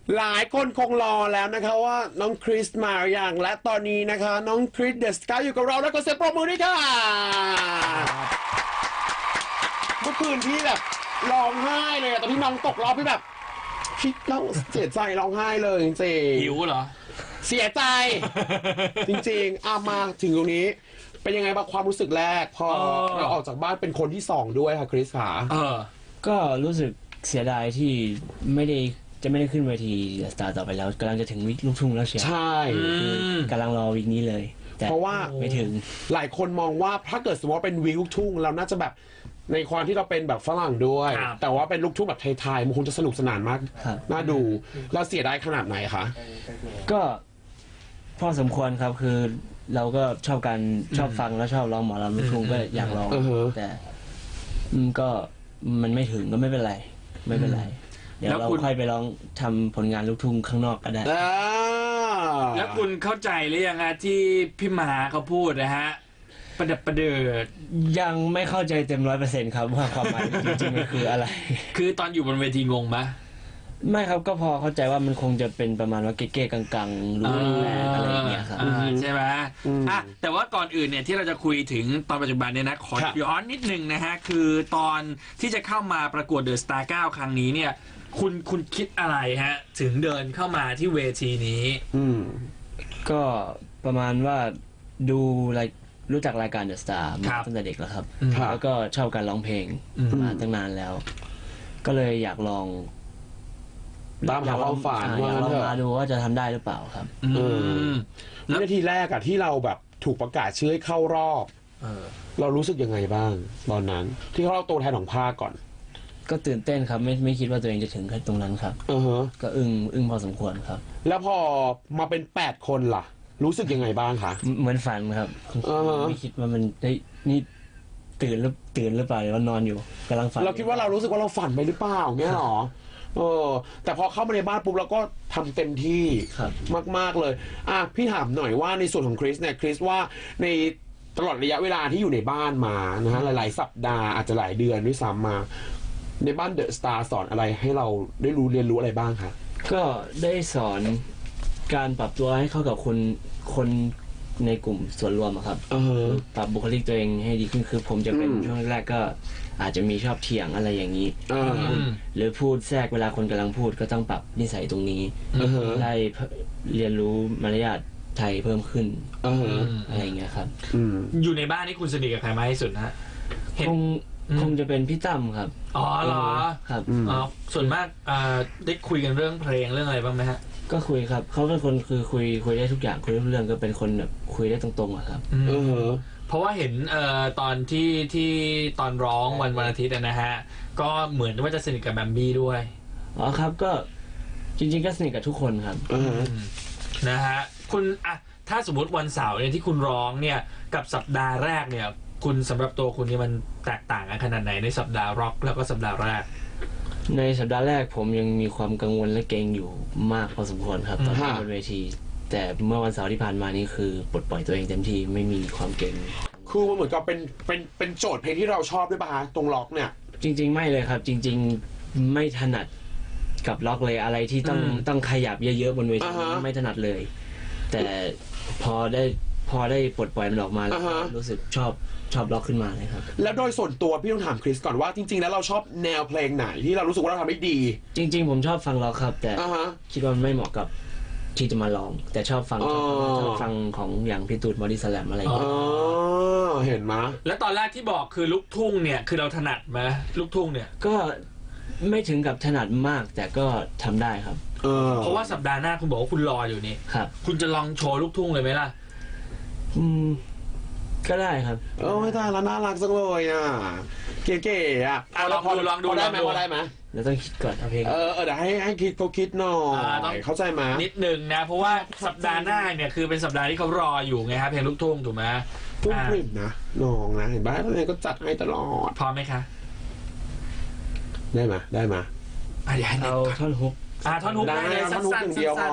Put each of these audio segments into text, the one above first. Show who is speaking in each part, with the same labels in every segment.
Speaker 1: หลายคนคงรอแล้วนะคะว่าน้องคริสมาอย่างและตอนนี้นะคะน้องคริสเดอะสกายอยู่กับเราแล้วก็เสียงปรบมือด้วยค่ะเมื่อคืนพี่แบบร้องไห้เลยตอนที่น้องตกรอบพี่แบบพี่ร้องเสียใจร้องไห้เลยจริงๆ
Speaker 2: หิวเหรอ
Speaker 1: เสียใจ จริงๆมาถึงตรงนี้เป็นยังไงบ้างความรู้สึกแรกพอเราออกจากบ้านเป็นคนที่สองด้วยค่ะคริสขา
Speaker 3: ก็รู้สึกเสียดายที่ไม่ได้ขึ้นเวทีสตาร์ต่อไปแล้วกำลังจะถึงวิกลูกทุ่งแล้วเชียว
Speaker 1: ใช่
Speaker 3: กำลังรอวิกนี้เลย
Speaker 1: เพราะว่า
Speaker 3: ไม่ถึง
Speaker 1: หลายคนมองว่าถ้าเกิดสมมติว่าเป็นวิกลูกทุ่งเราน่าจะแบบในความที่เราเป็นแบบฝรั่งด้วยแต่ว่าเป็นลูกทุ่งแบบไทยๆมันคงจะสนุกสนานมากน่าดูเราเสียดายขนาดไหนคะ
Speaker 3: ก็พอสมควรครับคือเราก็ชอบฟังแล้วชอบร้องหมอลำลูกทุ่งก็อยากร้องแต่ก็มันไม่ถึงก็ไม่เป็นไรเดี๋ยวเราค่อยไปร้องทำผลงานลูกทุ่งข้างนอกก็ได้
Speaker 2: แล้วคุณเข้าใจหรือยังฮะที่พี่หมาเขาพูดนะฮะประดับประเดิด
Speaker 3: ยังไม่เข้าใจเต็ม100%ครับว่าความหมายจริงๆมันคืออะไร
Speaker 2: คือตอนอยู่บนเวทีงงไหม
Speaker 3: ไม่ครับก็พอเข้าใจว่ามันคงจะเป็นประมาณว่าเก๊ๆกังๆรู้แรงอะไรอย่างเงี้ยครับ
Speaker 2: ใช่ไหมแต่ว่าก่อนอื่นเนี่ยที่เราจะคุยถึงตอนปัจจุบันเนี่ยนะขอย้อนนิดนึงนะฮะคือตอนที่จะเข้ามาประกวดเดอะสตาร์9ครั้งนี้เนี่ยคุณคิดอะไรฮะถึงเดินเข้ามาที่เวทีนี้
Speaker 3: ก็ประมาณว่าดูรู้จักรายการเดอะสตาร์มาตั้งแต่เด็กแล้วครับแล้วก็ชอบการร้องเพลงมาตั้งนานแล้วก็เลยอยากลอง
Speaker 1: ตามหาความฝัน
Speaker 3: ว่าลองมาดูว่าจะทำได้หรือเปล่าครับ
Speaker 1: นาทีแรกอะที่เราแบบถูกประกาศชื่อให้เข้ารอบเรารู้สึกยังไงบ้างตอนนั้นที่เขาเล่าตัวแทนของภาคก่อน
Speaker 3: ก็ตื่นเต้นครับไม่คิดว่าตัวเองจะถึงตรงนั้นครับก็อึ้งพอสมควรครับ
Speaker 1: แล้วพอมาเป็น8 คนล่ะรู้สึกยังไงบ้างคะ
Speaker 3: เหมือนฝันครับไม่คิดว่ามันได้นี่ตื่นหรือเปล่าหรือว่านอนอยู่กำลังฝัน
Speaker 1: เราคิดว่าเรารู้สึกว่าเราฝันไปหรือเปล่าเงี้ยหรอแต่พอเข้ามาในบ้านปุ๊บเราก็ทำเต็มที่มากๆเลยพี่ถามหน่อยว่าในส่วนของคริสเนี่ยคริสว่าในตลอดระยะเวลาที่อยู่ในบ้านมานะฮะหลายๆสัปดาห์อาจจะหลายเดือนด้วยซ้ำมาในบ้านเดอะสตาร์สอนอะไรให้เราได้เรียนรู้อะไรบ้างคะ
Speaker 3: ก็ได้สอนการปรับตัวให้เข้ากับคนในกลุ่มส่วนรวมครับปรับบุคลิกตัวเองให้ดีขึ้นคือผมจะเป็นช่วงแรกก็อาจจะมีชอบเถียงอะไรอย่างนี้หรือพูดแทรกเวลาคนกำลังพูดก็ต้องปรับนิสัยตรงนี้ได้เรียนรู้มารยาทไทยเพิ่มขึ้นอะไรอย่างเงี้ยครับ
Speaker 2: อยู่ในบ้านนี่คุณสนิทกับใครมากที่สุดฮะ
Speaker 3: คงจะเป็นพี่ตั้มครับ
Speaker 2: อ๋อเหรอ
Speaker 3: ครับ
Speaker 2: ส่วนมากได้คุยกันเรื่องเพลงเรื่องอะไรบ้างไหมฮะ
Speaker 3: ก็คุยครับเขาเป็นคนคือคุยได้ทุกอย่างคุยทุกเรื่องก็เป็นคนแบบคุยได้ตรงๆอะครับ
Speaker 2: เพราะว่าเห็นตอนที่ตอนร้องวันอาทิตย์นะฮะก็เหมือนว่าจะสนิทกับแบมบี้ด้วย
Speaker 3: อ๋อครับก็จริงๆก็สนิทกับทุกคนครับ
Speaker 2: นะฮะคุณถ้าสมมติวันเสาร์เนี่ยที่คุณร้องเนี่ยกับสัปดาห์แรกเนี่ยคุณสำหรับตัวคุณนี่มันแตกต่างกันขนาดไหนในสัปดาห์ร็อกแล้วก็สัปดาห์แรก
Speaker 3: ในสัปดาห์แรกผมยังมีความกังวลและเกรงอยู่มากพอสมควรครับตอนที่บนเวทีแต่เมื่อวันเสาร์ที่ผ่านมานี่คือปลดปล่อยตัวเองเต็มที่ไม่มีความเกรง
Speaker 1: คือมันเหมือนกับเป็นโจทย์เพลงที่เราชอบด้วยป่ะตรงล็อกเนี่ย
Speaker 3: จริงๆไม่เลยครับจริงๆไม่ถนัดกับล็อกเลยอะไรที่ต้องขยับเยอะๆบนเวทีไม่ถนัดเลยแต่พอได้ปลดปล่อยมันออกมาแล้วรู้สึกชอบล็อกขึ้นมาเลยครับ
Speaker 1: แล้วโดยส่วนตัวพี่ต้องถามคริสก่อนว่าจริงๆแล้วเราชอบแนวเพลงไหนที่เรารู้สึกว่าเราทำได้ดี
Speaker 3: จริงๆผมชอบฟังล็อกครับแต่คิดว่ามันไม่เหมาะกับที่จะมาร้องแต่ชอบฟังของอย่างพี่ตูนบอดี้สแลมอะไรอย่างเงี้ย
Speaker 1: เห็นไหม
Speaker 2: แล้วตอนแรกที่บอกคือลูกทุ่งเนี่ยคือเราถนัดไหมลูกทุ่งเนี่ย
Speaker 3: ก็ไม่ถึงกับถนัดมากแต่ก็ทำได้ครับ
Speaker 2: เพราะว่าสัปดาห์หน้าคุณบอกว่าคุณรออยู่นี่
Speaker 3: ครับ
Speaker 2: คุณจะลองโชว์ลูกทุ่งเลยไหมล่ะ
Speaker 3: ก็ได้ครับ
Speaker 1: ไม่ได้แล้วน่ารักจังเลยเก๋ๆ
Speaker 2: ลองดู
Speaker 1: ได้ไหม
Speaker 3: เราต้องคิดก่อนเอาเพลง
Speaker 1: เดี๋ยวให้คิดเขาคิดหน่อยเข้าใจไหม
Speaker 2: นิดนึงนะเพราะว่าสัปดาห์หน้าเนี่ยคือเป็นสัปดาห์ที่เขารออยู่ไงครับเพลงลูกทุ่งถูกไหม
Speaker 1: พุ่งปริ่มนะน้องนะเห็นบ้านเลยก็จัดให้ตลอด
Speaker 2: พร้อมไหมคะ
Speaker 1: ได้ไหม
Speaker 3: เอาท่อนฮุก
Speaker 2: ท่อนฮุกได้เลย
Speaker 1: สั้นๆเดียวพอ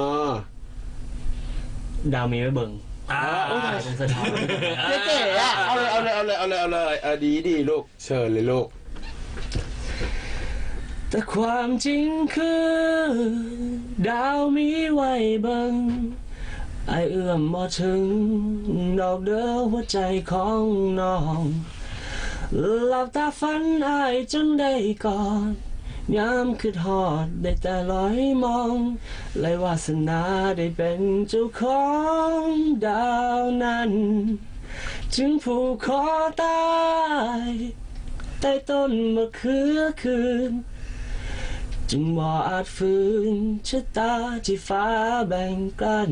Speaker 3: ดาวมีไว้เบิ่ง
Speaker 1: สะท้อนเก๋ๆเอาเลยดีลูกเชิญเลยลูก
Speaker 3: แต่ความจริงคือดาวมีไว้บังไอเอื้อมบ่ถึงดอกเด้อหัวใจของน้องหลับตาฝันอายจนได้กอดยามคิดฮอดได้แต่ลอยมองเลยวาสนาได้เป็นเจ้าของดาวนั้นจึงผูกคอตายใต้ต้นมะเขือคืนจึงบ่อาจฝืนชะตาที่ฟ้าแบ่งกัน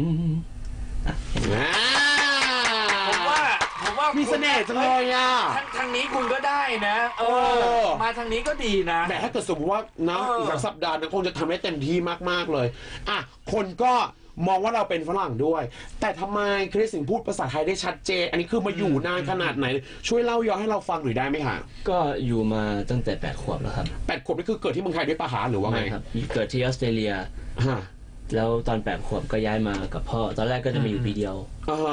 Speaker 2: ผมว่า
Speaker 1: มีเสน่ห์จังเลยอ่ะ
Speaker 2: ทางนี้คุณก็ได้นะมาทางนี้ก็ดีนะ
Speaker 1: แต่ถ้าเกิดสมมติว่านะอีกสักสัปดาห์นึงคงจะทำได้เต็มที่มากๆเลยอ่ะคนก็มองว่าเราเป็นฝรั่งด้วยแต่ทำไมคริสถึงพูดภาษาไทยได้ชัดเจนอันนี้คือมาอยู่นานขนาดไหนช่วยเล่าย้อนให้เราฟังหน่อยได้ไหมคะ
Speaker 3: ก็อยู่มาตั้งแต่8 ขวบแล้วครับ
Speaker 1: 8 ขวบนี่คือเกิดที่เมืองไทยด้วยปะหาหรือว่าไง
Speaker 3: ครับเกิดที่ออสเตรเลียแล้วตอน8 ขวบก็ย้ายมากับพ่อตอนแรกก็จะมาอยู่ปีเดียว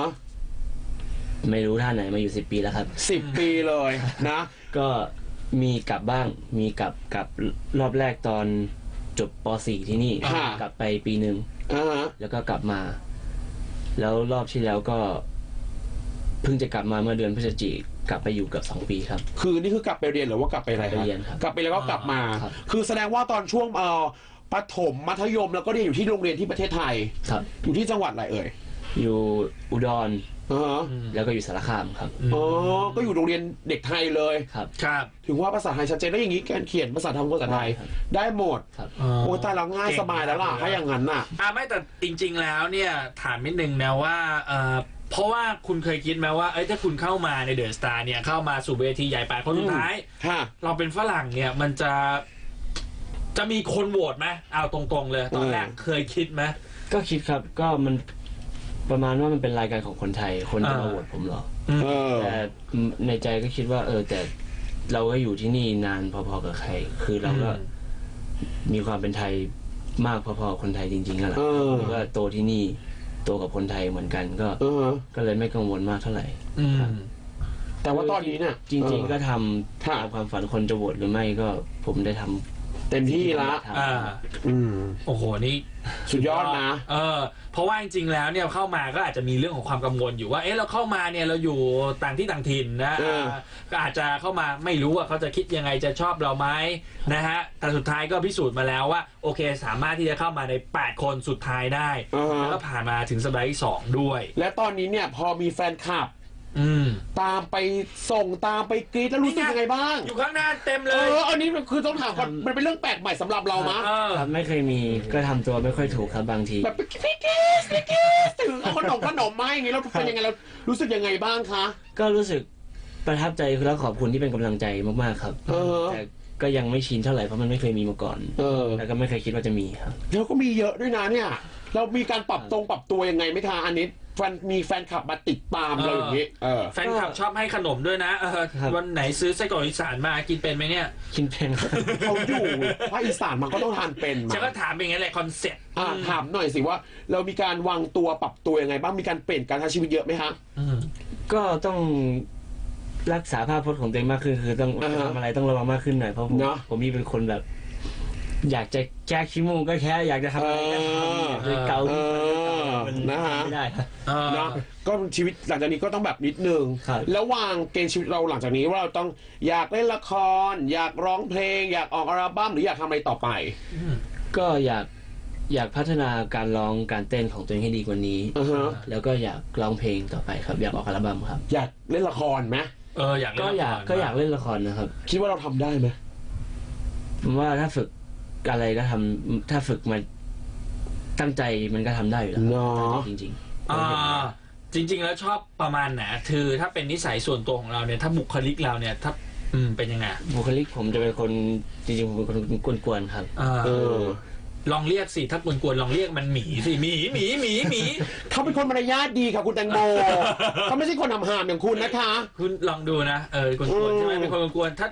Speaker 3: ไม่รู้ท่าไหนมาอยู่10 ปีแล้วครับ
Speaker 1: 10 ปีเลยนะ
Speaker 3: ก็มีกลับบ้างมีกลับรอบแรกตอนจบป .4 ที่นี่กลับไปปีหนึ่งแล้วก็กลับมาแล้วรอบที่แล้วก็เพิ่งจะกลับมาเมื่อเดือนพฤศจิกลับไปอยู่กับ2 ปีครับ
Speaker 1: คือนี่คือกลับไปเรียนหรือว่ากลับไปอะไรครับกลับไปแล้วก็กลับมาคือแสดงว่าตอนช่วงประถมมัธยมแล้วก็เรียนอยู่ที่โรงเรียนที่ประเทศไทย
Speaker 3: ครับ
Speaker 1: อยู่ที่จังหวัดอะไรเอ่ย
Speaker 3: อยู่อุดรแล้วก็อยู่สารคามครับ
Speaker 1: ก็อยู่โรงเรียนเด็กไทยเลย
Speaker 2: ครับ
Speaker 1: ถึงว่าภาษาไทยชัดเจนแล้วอย่างนี้การเขียนภาษาภาษาไทยได้หมดโอ้ตายแล้วง่ายสบายแล้วล่ะถ้าอย่างนั้นน่ะ
Speaker 2: ไม่แต่จริงๆแล้วเนี่ยถามนิดนึงนะว่าเพราะว่าคุณเคยคิดไหมว่าถ้าคุณเข้ามาในเดอะสตาร์เนี่ยเข้ามาสู่เวทีใหญ่8 คนสุดท้ายเราเป็นฝรั่งเนี่ยมันจะมีคนโหวตไหมเอาตรงๆเลยตอนแรกเคยคิดไหม
Speaker 3: ก็คิดครับก็มันประมาณว่ามันเป็นรายการของคนไทยคนจะมาโหวตผมหรอแต่ในใจก็คิดว่าแต่เราก็อยู่ที่นี่นานพอๆกับใครคือเราก็มีความเป็นไทยมากพอๆกับคนไทยจริงๆนั่นแหละแล้วก็โตที่นี่โตกับคนไทยเหมือนกันก็เลยไม่กังวลมากเท่าไหร่
Speaker 1: แต่ว่าตอนนี้เนี่ย
Speaker 3: จริงๆก็ทำตามความฝันคนจะโหวตหรือไม่ก็ผมได้ทำ
Speaker 1: เต็มที่ละ
Speaker 2: โอ้โหนี่
Speaker 1: สุดยอดนะ
Speaker 2: เพราะว่าจริงๆแล้วเนี่ยเข้ามาก็อาจจะมีเรื่องของความกังวลอยู่ว่าเราเข้ามาเนี่ยเราอยู่ต่างที่ต่างถิ่นนะก็อาจจะเข้ามาไม่รู้ว่าเขาจะคิดยังไงจะชอบเราไหมนะฮะแต่สุดท้ายก็พิสูจน์มาแล้วว่าโอเคสามารถที่จะเข้ามาใน8 คนสุดท้ายได้แล้วก็ผ่านมาถึงสัปดาห์ที่2ด้วย
Speaker 1: และตอนนี้เนี่ยพอมีแฟนคลับตามไปส่งตามไปกรี๊ดแล้วรู้สึกยังไงบ้าง
Speaker 2: อยู่ข้างหน้าเต็มเลย
Speaker 1: อันนี้คือต้องถามก่อนมันเป็นเรื่องแปลกใหม่สำหรับเรามั้ย
Speaker 3: ไม่เคยมีก็ทำตัวไม่ค่อยถูกครับบางที
Speaker 1: แบบพี่เกสถึงเอาขนมมาอย่างงี้เราเป็นยังไงเรารู้สึกยังไงบ้างคะ
Speaker 3: ก็รู้สึกประทับใจแล้วขอบคุณที่เป็นกำลังใจมากๆครับแต่ก็ยังไม่ชินเท่าไหร่เพราะมันไม่เคยมีมาก่อนแล้วก็ไม่เคยคิดว่าจะมีครับ
Speaker 1: แล้วก็มีเยอะด้วยนะเนี่ยเรามีการปรับตัวยังไงไหมคะอันนี้มีแฟนคลับมาติดตามเราอย่างนี้
Speaker 2: แฟนคลับชอบให้ขนมด้วยนะวันไหนซื้อไส้กรอกอีสานมากินเป็นไหมเนี่ย
Speaker 3: กินเป็น
Speaker 1: เขาอยู่ภาคอีสานมันก็ต้องทานเป็นมา
Speaker 2: ฉันก็ถามเป็นไงแหละคอนเซ็ปต์
Speaker 1: ถามหน่อยสิว่าเรามีการวางตัวปรับตัวยังไงบ้างมีการเปลี่ยนการใช้ชีวิตเยอะไหมฮะ
Speaker 3: ก็ต้องรักษาภาพพจน์ของตัวเองมากขึ้นคือต้องทำอะไรต้องระวังมากขึ้นหน่อยเพราะผมมีเป็นคนแบบอยากจะแก้ขี้มูกก็แค่อยากจะทำอะไรก็ทำเลยเกา
Speaker 1: นะฮะ
Speaker 3: ไม่ได้
Speaker 1: นะก็ชีวิตหลังจากนี้ก็ต้องแบบนิดนึงแล้ววางเกณฑ์ชีวิตเราหลังจากนี้ว่าเราต้องอยากเล่นละครอยากร้องเพลงอยากออกอัลบั้มหรืออยากทำอะไรต่อไป
Speaker 3: ก็อยากพัฒนาการร้องการเต้นของตัวเองให้ดีกว่านี้แล้วก็อยากร้องเพลงต่อไปครับอยากออกอัลบั้มครับ
Speaker 1: อยากเล่นละครไหม
Speaker 2: อยาก
Speaker 3: อยากเล่นละครนะครับ
Speaker 1: คิดว่าเราทำได้ไหม
Speaker 3: ผมว่าถ้าฝึกอะไรก็ทำถ้าฝึกมาตั้งใจมันก็ทำได้อยู่แล้วจริง
Speaker 2: จริงๆแล้วชอบประมาณไหนคือถ้าเป็นนิสัยส่วนตัวของเราเนี่ยถ้าบุคลิกเราเนี่ยถ้าเป็นยังไง
Speaker 3: บุคลิกผมจะเป็นคนจริงๆผมเป็นคนกวนๆครับ
Speaker 2: ลองเรียกสิถ้ากวนๆลองเรียกมันหมีสิหมี
Speaker 1: เขาเป็นคนมารยาทดีค่ะคุณแตงโมเขาไม่ใช่คนทำหามอย่างคุณนะคะ
Speaker 2: คุณลองดูนะกวนๆใช่ไหมเป็นคนกวนๆถ้า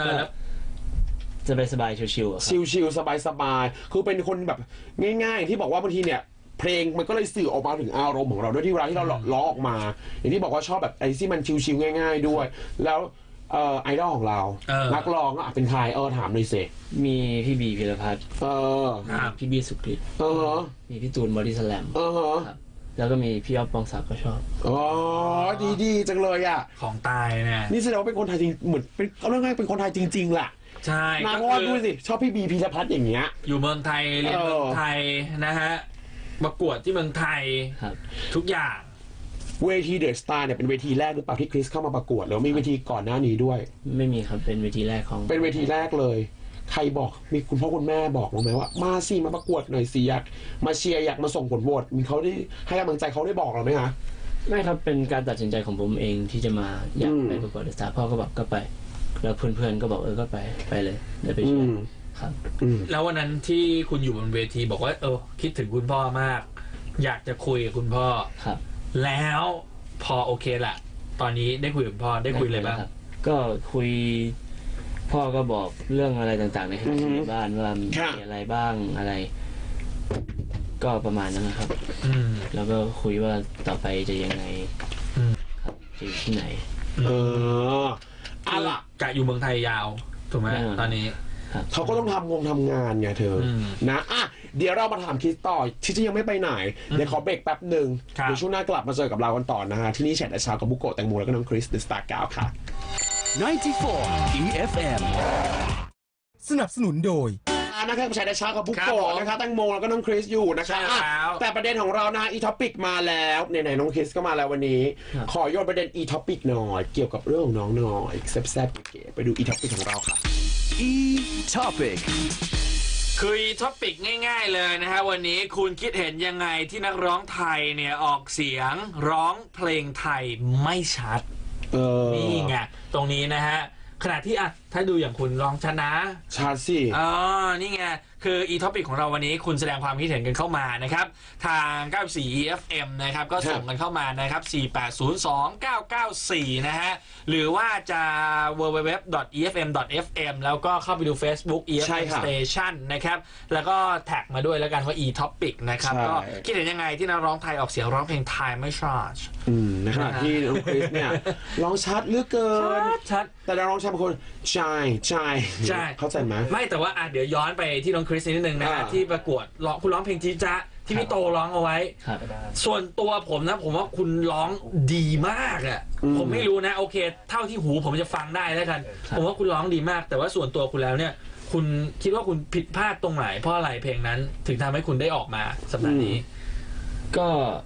Speaker 3: สบายชิวๆ
Speaker 1: ชิวๆสบายๆคือเป็นคนแบบง่ายๆที่บอกว่าบางทีเนี่ยเพลงมันก็เลยสื่อออกมาถึงอารมณ์ของเราด้วยที่เวลาที่เราล้อออกมาอย่างที่บอกว่าชอบแบบไอ้ที่มันชิวๆง่ายๆด้วยแล้วไอดอลของเรานักร้องเป็นใครถามหน่อยสิ
Speaker 3: มีพี่บีพิรพัฒน์
Speaker 2: ครับ
Speaker 3: พี่บีสุกฤตมีพี่ตูนบอดี้สแลมครับแล้วก็มีพี่อ๊อฟปองศักดิ์ก็ชอบ
Speaker 1: ดีจังเลยอ่ะ
Speaker 2: ของตายเนี่ย
Speaker 1: นี่แสดงว่าเป็นคนไทยจริงเหมือนเป็นเอาเรื่องง่ายเป็นคนไทยจริงๆแหละ
Speaker 2: ใช่
Speaker 1: นะเพราะว่าดูสิชอบพี่บีพีรพัฒน์อย่างเงี้ย
Speaker 2: อยู่เมืองไทยเรียนเมืองไทยนะฮะประกวดที่เมืองไทยทุกอย่าง
Speaker 1: เวทีเดอะสตาร์เนี่ยเป็นเวทีแรกหรือเปล่าที่คริสเข้ามาประกวดหรือมีเวทีก่อนหน้านี้ด้วย
Speaker 3: ไม่มีครับเป็นเวทีแรกของ
Speaker 1: เป็นเวทีแรกเลยใครบอกมีคุณพ่อคุณแม่บอกไหมว่ามาสิมาประกวดหน่อยสิอยากมาเชียร์อยากมาส่งผลโหวตมีเขาได้ให้กำลังใจเขาได้บอกเราไหมคะ
Speaker 3: ไม่ครับเป็นการตัดสินใจของผมเองที่จะมาอยากไปประกวดเดอะสตาร์พ่อก็บอกก็ไปแล้วเพื่อนๆก็บอกก็ไปเลยเดี๋ยวไปเชียร์ครับ
Speaker 2: แล้ววันนั้นที่คุณอยู่บนเวทีบอกว่าคิดถึงคุณพ่อมากอยากจะคุยกับคุณพ่อ
Speaker 3: ครับ
Speaker 2: แล้วพอโอเคแหละตอนนี้ได้คุยกับพ่อได้คุยเลยบ้าง
Speaker 3: ก็คุยพ่อก็บอกเรื่องอะไรต่างๆในบ้านว่ามีอะไรบ้างอะไรก็ประมาณนั้นนะครับแล้วก็คุยว่าต่อไปจะยังไงครับจะอยู่ที่ไหน
Speaker 1: ล่ะ
Speaker 2: กะอยู่เมืองไทยยาวถูกไหมตอนนี้
Speaker 1: เขาก็ต้องทำงานไงเธอนะเดี๋ยวเรามาถามคริสต่อที่จะยังไม่ไปไหนเดี๋ยวขอเบรกแป๊บหนึ่งเดี๋ยวช่วงหน้ากลับมาเจอกับเรากันต่อนะฮะที่นี่แชทเช้ากับบุโกะแตงโมแล้วก็น้องคริสเดอะสตาร์9ค่ะ
Speaker 4: 94 EFM สนับสนุนโดย
Speaker 1: นะครับแชทเช้ากับบุโกะนะคะแตงโมแล้วก็น้องคริสอยู่นะคะแต่ประเด็นของเรานะอีท็อปิกมาแล้วไหนๆน้องคริสก็มาแล้ววันนี้ขอโยนประเด็นอีท็อปิกหน่อยเกี่ยวกับเรื่องของน้องหน่อยแซ่บๆเก๋ๆไปดูอีท็อปิกของเราค่ะ
Speaker 4: E-Topic
Speaker 2: คือ E-Topic ง่ายๆเลยนะฮะวันนี้คุณคิดเห็นยังไงที่นักร้องไทยเนี่ยออกเสียงร้องเพลงไทยไม่ชัดนี่ไงตรงนี้นะฮะขณะที่ถ้าดูอย่างคุณร้องชัดนะ
Speaker 1: ชัดสิ
Speaker 2: นี่ไงคือ e-topic ของเราวันนี้คุณแสดงความคิดเห็นกันเข้ามานะครับทาง 94 EFM นะครับก็ส่งกันเข้ามานะครับ4802994นะฮะหรือว่าจะ www.efm.fm แล้วก็เข้าไปดู Facebook EFM Station นะครับแล้วก็แท็กมาด้วยแล้วกันว่า e-topic นะครับก็คิดเห็นยังไงที่นักร้องไทยออกเสียงร้องเพลงไทยไม่ชัด
Speaker 1: ในขณะที่น้องคริสเนี่ยร้องชัดเหลือเกิน
Speaker 2: ชัด
Speaker 1: แต่นักร้องชายบางคนใช่เข้าใจไหม
Speaker 2: ไม่แต่ว่าเดี๋ยวย้อนไปที่น้องคริสนิดนึงนะที่ประกวดคุณร้องเพลงจีจ๊ะที่พี่โตร้องเอาไว้ส่วนตัวผมนะผมว่าคุณร้องดีมากผมไม่รู้นะโอเคเท่าที่หูผมจะฟังได้แล้วกันผมว่าคุณร้องดีมากแต่ว่าส่วนตัวคุณแล้วเนี่ยคุณคิดว่าคุณผิดพลาดตรงไหนเพราะอะไรเพลงนั้นถึงทำให้คุณได้ออกมาสัปดาห์นี้
Speaker 3: ก็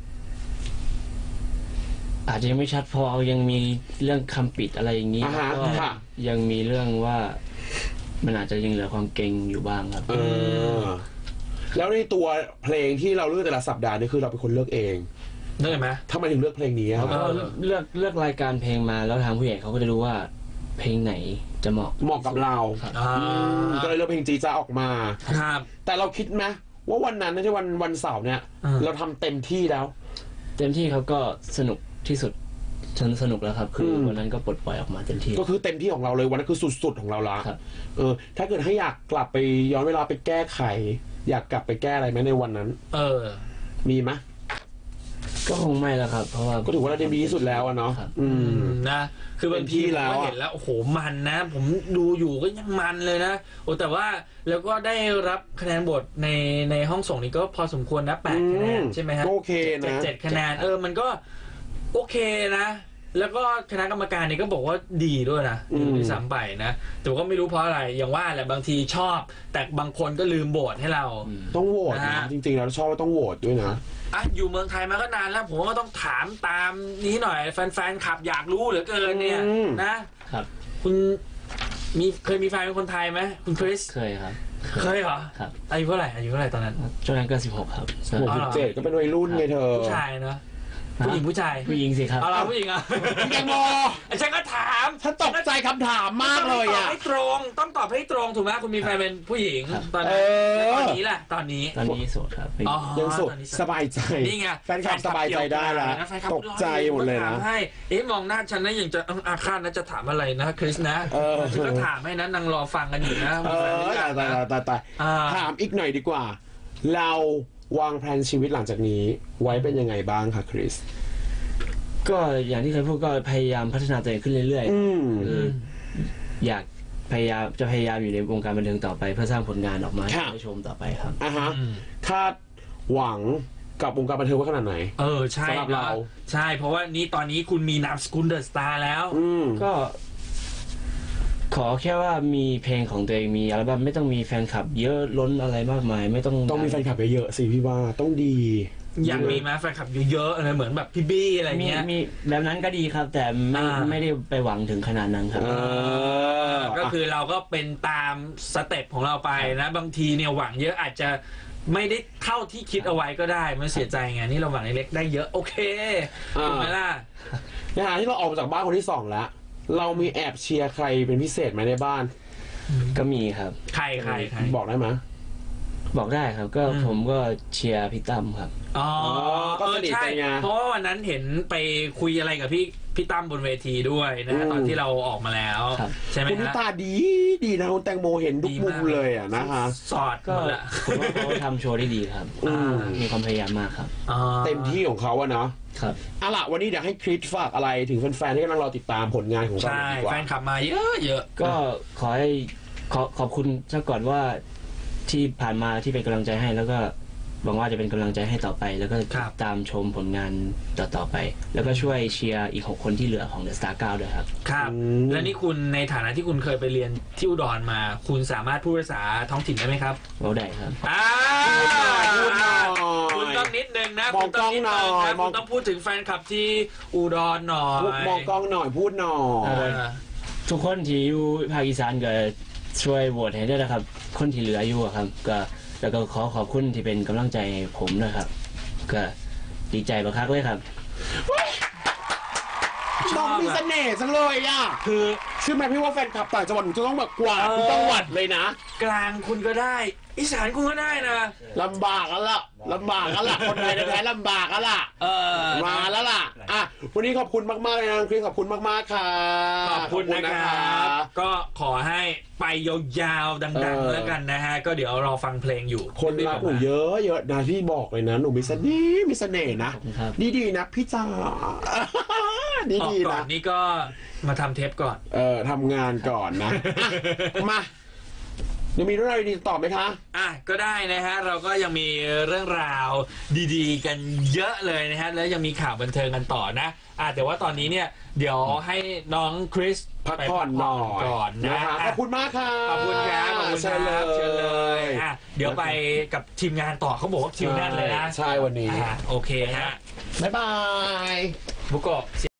Speaker 3: อาจจะยังไม่ชัดพอยังมีเรื่องคำปิดอะไรอย่างนี้ก็ยังมีเรื่องว่ามันอาจจะยังเหลือความเก่งอยู่บ้างครับ
Speaker 1: แล้วในตัวเพลงที่เราเลือกแต่ละสัปดาห์นี่คือเราเป็นคนเลือกเอง
Speaker 2: ได้ไหม
Speaker 1: ทำไมถึงเลือกเพลงนี้
Speaker 3: ครับก็เลือกรายการเพลงมาแล้วทางผู้ใหญ่เขาก็จะรู้ว่าเพลงไหนจะเหมาะ
Speaker 1: กับเราก็เลยเลือกเพลงจีจ้าออกมา
Speaker 2: ครับ
Speaker 1: แต่เราคิดไหมว่าวันนั้นที่วันเสาร์เนี่ยเราทำเต็มที่แล้ว
Speaker 3: เต็มที่เขาก็สนุกที่สุดฉันสนุกแล้วครับคือวันนั้นก็ปลดปล่อยออกมาเต็มที่
Speaker 1: ก็คือเต็มที่ของเราเลยวันนั้นคือสุดๆของเราละถ้าเกิดให้อยากกลับไปย้อนเวลาไปแก้ไขอยากกลับไปแก้อะไรไหมในวันนั้นมีไหม
Speaker 3: ก็คงไม่แล้วครับเพราะว่า
Speaker 1: ก็ถือว่าเราดีที่สุดแล้วเนาะ
Speaker 2: นะคือบางทีเราเห็นแล้วโอ้โหมันนะผมดูอยู่ก็ยังมันเลยนะโอ้แต่ว่าแล้วก็ได้รับคะแนนบทในห้องส่งนี้ก็พอสมควรนะ8คะแนนใช่ไหมฮะ
Speaker 1: โอเคนะ
Speaker 2: 7คะแนนมันก็โอเคนะแล้วก็คณะกรรมการนี่ก็บอกว่าดีด้วยนะดีซ้ำไปนะแต่ก็ไม่รู้เพราะอะไรอย่างว่าแหละบางทีชอบแต่บางคนก็ลืมโหวตให้เรา
Speaker 1: ต้องโหวตนะจริงๆแล้วชอบต้องโหวตด้วยนะ
Speaker 2: อยู่เมืองไทยมาก็นานแล้วผมก็ต้องถามตามนี้หน่อยแฟนๆขับอยากรู้เหลือเกินเนี่ยนะครับคุณเคยมีแฟนเป็นคนไทยไหมคุณคริส
Speaker 3: เคยครับ
Speaker 2: เคยเหรอ
Speaker 3: ครับ
Speaker 2: อายุเท่าไหร่ตอนนั้น
Speaker 3: ช่วงนั้นก็16ครับ
Speaker 1: 17ก็เป็นวัยรุ่นไงเธอ
Speaker 2: ผู้ชายเนาะผู้หญิงผู้ชาย
Speaker 3: ผู้หญิงสิครับ
Speaker 2: เอาผู้หญิง
Speaker 1: พี่แตงโม
Speaker 2: ฉันก็ถาม
Speaker 1: ฉันตกใจคำถามมากเลย
Speaker 2: อ่ะต้องตอบให้ตรงถูกไหมคุณมีแฟนเป็นผู้หญิงตอนนี้แหละตอนนี้
Speaker 3: โสดครับ
Speaker 1: ยังโสดสบายใจ
Speaker 2: นี่ไง
Speaker 1: แฟนคลับสบายใจได้แล้วตกใจหมดเลยนะ
Speaker 2: ให้มองหน้าฉันนะยังจะอาฆาตนะจะถามอะไรนะคริสนะฉันก็ถามให้นะนางรอฟังกันอยู่นะ
Speaker 1: ตายถามอีกหน่อยดีกว่าเราวางแผนชีวิตหลังจากนี้ไว้เป็นยังไงบ้างคะคริส
Speaker 3: ก็อย่างที่เคยพูดก็พยายามพัฒนาตัวเองขึ้นเรื่อยๆอยากพยายามอยู่ในวงการบันเทิงต่อไปเพื่อสร้างผลงานออกมาให้ได้ชมต่อไปครับ
Speaker 1: ฮะคาดหวังกับวงการบันเทิงว่าขนาดไหน
Speaker 2: ใช่
Speaker 1: สำหรับเรา
Speaker 2: ใช่เพราะว่านี้ตอนนี้คุณมีนามสกุลเดอะสตาร์แล้ว
Speaker 3: ก็ขอแค่ว่ามีเพลงของตัวเองมีอัลบั้มไม่ต้องมีแฟนคลับเยอะล้นอะไรมากมายไม่ต้อง
Speaker 1: มีแฟนคลับเยอะๆสิพี่ว่าต้องดี
Speaker 2: อยากมีมาแฟนคลับเยอะๆอะไรเหมือนแบบพี่บี้อะไรเงี้ย
Speaker 3: มีแบบนั้นก็ดีครับ แต่ไม่ได้ไปหวังถึงขนาดนั้นครับ
Speaker 2: ก็คือเราก็เป็นตามสเต็ปของเราไปนะบางทีเนี่ยหวังเยอะอาจจะไม่ได้เท่าที่คิดเอาไว้ก็ได้ไม่เสียใจไงนี่เราหวังเล็กได้เยอะโอเคถูกไหมล่ะ
Speaker 1: ในขณะที่เราออกมาจากบ้านคนที่2แล้วเรามีแอบเชียร์ใครเป็นพิเศษไหมในบ้าน
Speaker 3: ก็มีครับ
Speaker 2: ใคร
Speaker 1: บอกได้ไหม
Speaker 3: บอกได้ครับก็ผมก็เชียร์พี่ตั้มครับ
Speaker 1: ก็สนิทกันไง
Speaker 2: เพราะว่าวันนั้นเห็นไปคุยอะไรกับพี่ตั้มบนเวทีด้วยนะตอนที่เราออกมาแล้วใช่ไหม
Speaker 1: คุณตาดีนะคุณแตงโมเห็นทุกมุมเลยอ่ะนะคะ
Speaker 2: สอด
Speaker 3: ก็ผมว่าเขาทำโชว์ได้ดีครับมีความพยายามมากครับ
Speaker 1: เต็มที่ของเขาอะเนาะ
Speaker 3: ครับ
Speaker 1: เอาล่ะวันนี้เดี๋ยวให้คริสฝากอะไรถึงแฟนๆที่กำลังรอติดตามผลงานของเราดีกว่า
Speaker 2: แฟนคลับมาเยอะ
Speaker 3: ก็ขอให้ขอบคุณซะก่อนว่าที่ผ่านมาที่เป็นกำลังใจให้แล้วก็หวังว่าจะเป็นกำลังใจให้ต่อไปแล้วก็ตามชมผลงานต่อไปแล้วก็ช่วยเชียร์อีก6คนที่เหลือของ The Star 9ด้วยครับ
Speaker 2: ครับและนี่คุณในฐานะที่คุณเคยไปเรียนที่อุดรมาคุณสามารถพูดภาษาท้องถิ่นได้ไหมครับ
Speaker 3: ได้ครับ
Speaker 2: คุณต้องนิดนึงนะคุณต้องนิดนึงนะคุณต้องพูดถึงแฟนคลับที่อุดรหน่อย
Speaker 1: มองกล้องหน่อยพูดหน่อย
Speaker 3: ทุกคนที่อยู่ภาคอีสานก็ช่วยโหวตให้ด้วยนะครับคนที่เหลืออยู่ครับก็แล้วก็ขอบคุณที่เป็นกำลังใจผมนะครับก็ดีใจมากเลยครับ
Speaker 1: น้องมีเสน่ห์จังเลยอ่ะคือเชื่อไหมพี่ว่าแฟนคลับต่างจังหวัดจะต้องแบบกว่าทุกจังหวัดเลยนะ
Speaker 2: กลางคุณก็ได้อีสานคุณก็ได้นะ
Speaker 1: ลำบากกันละคนไทยแท้ลำบากกันละมาแล้วล่ะอ่ะวันนี้ขอบคุณมากๆเลยนะคริสขอบคุณมากๆค่ะ
Speaker 2: ขอบคุณนะครับก็ขอให้ไปยาวๆดังๆแล้วกันนะฮะก็เดี๋ยวรอฟังเพลงอยู่
Speaker 1: คนรักหนูเยอะนะที่บอกเลยนะหนูมีเสน่ห์นะดีนะพี่จ๋าดี
Speaker 2: ก่อนนี่ก็มาทำเทปก่อน
Speaker 1: ทำงานก่อนนะมายังมีเรื่องราวดีๆต่อไหมคะ
Speaker 2: ก็ได้นะฮะเราก็ยังมีเรื่องราวดีๆกันเยอะเลยนะฮะแล้วยังมีข่าวบันเทิงกันต่อนะแต่ว่าตอนนี้เนี่ยเดี๋ยวให้น้องคริส
Speaker 1: พักผ่อนหน่อย
Speaker 2: ก่อนนะ
Speaker 1: ขอบคุณมากค่ะ
Speaker 2: ขอบคุณครับเชิญเลยเดี๋ยวไปกับทีมงานต่อเขาบอกว่าคิวแน่นเลยนะ
Speaker 1: ใช่วันนี้
Speaker 2: โอเคฮะ
Speaker 1: บ๊ายบาย
Speaker 2: บุโกะ